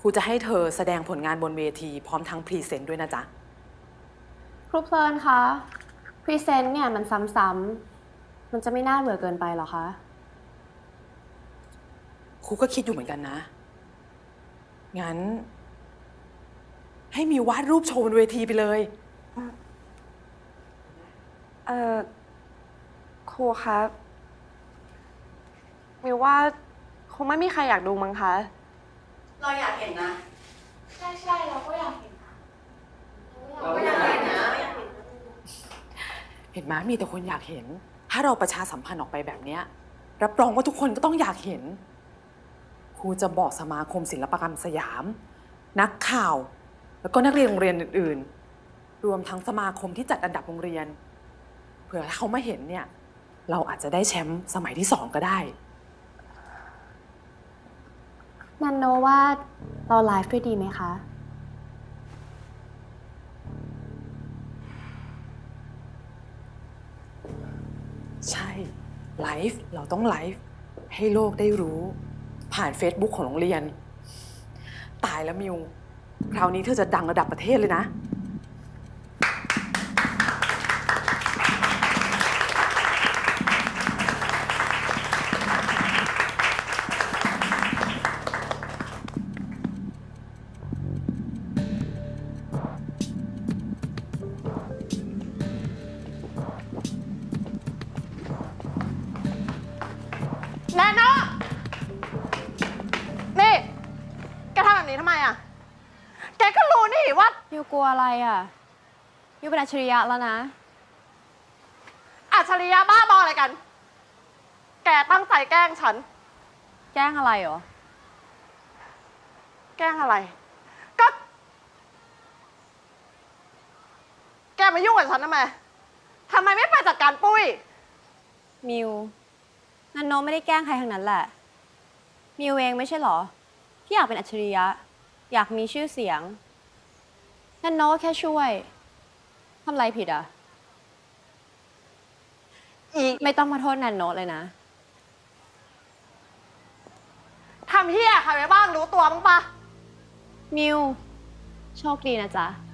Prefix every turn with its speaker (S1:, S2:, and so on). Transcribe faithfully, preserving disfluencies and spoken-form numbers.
S1: ครูจะให้เธอแสดงผลงานบนเวทีพร้อมทั้งพรีเซนต์ด้วยนะจ๊ะ
S2: ครูเพลินคะพรีเซนต์เนี่ยมันซ้ำๆมันจะไม่น่าเบื่อเกินไปหรอคะ
S1: ครูก็คิดอยู่เหมือนกันนะงั้นให้มีวาดรูปโชว์บนเวทีไปเลย
S3: เอ่อครูคะมิวว่าคงไม่มีใครอยากดูมั้งคะ
S4: เราอยากเห็นนะใช่ใช่เราก็อยากเห็นนะเราก็อยากเห็นนะ
S1: เห็นไหมมีแต่คนอยากเห็นถ้าเราประชาสัมพันธ์ออกไปแบบนี้รับรองว่าทุกคนก็ต้องอยากเห็นครูจะบอกสมาคมศิลปกรรมสยามนักข่าวแล้วก็นักเรียนโรงเรียนอื่นๆรวมทั้งสมาคมที่จัดอันดับโรงเรียนเผื่อเขามาเห็นเนี่ยเราอาจจะได้แชมป์สมัยที่สองก็ได้
S2: นันโนว่าเราไลฟ์ด้วยดีไหมคะ
S1: ใช่ไลฟ์เราต้องไลฟ์ให้โลกได้รู้ผ่าน Facebook ของโรงเรียนตายแล้วมิวคราวนี้เธอจะดังระดับประเทศเลยนะ
S3: แนนโน่นี่แกทำแบบนี้ทำไมอ่ะแกก็รู้นี่ว่า
S2: ยูกลัวอะไรอ่ะยูเป็นอัจฉริยะแล้วนะ
S3: อัจฉริยะบ้าบออะไรกันแกตั้งใจแกล้งฉัน
S2: แกล้งอะไรหรอ
S3: แกล้งอะไรก็แกมายุ่งกับฉันทำไมทำไมไม่ไปจัดการปุ้ย
S2: มิวนันโนไม่ได้แกล้งใครทั้งนั้นแหละมิวเองไม่ใช่หรอที่อยากเป็นอัจฉริยะอยากมีชื่อเสียงนันโนแค่ช่วยทำอะไรผิดอ่ะ
S3: อี
S2: ไม่ต้องมาโทษนันโนเลยนะ
S3: ทำเฮียใครไปบ้างรู้ตัวบ้างปะ
S2: มิวโชคดีนะจ๊ะ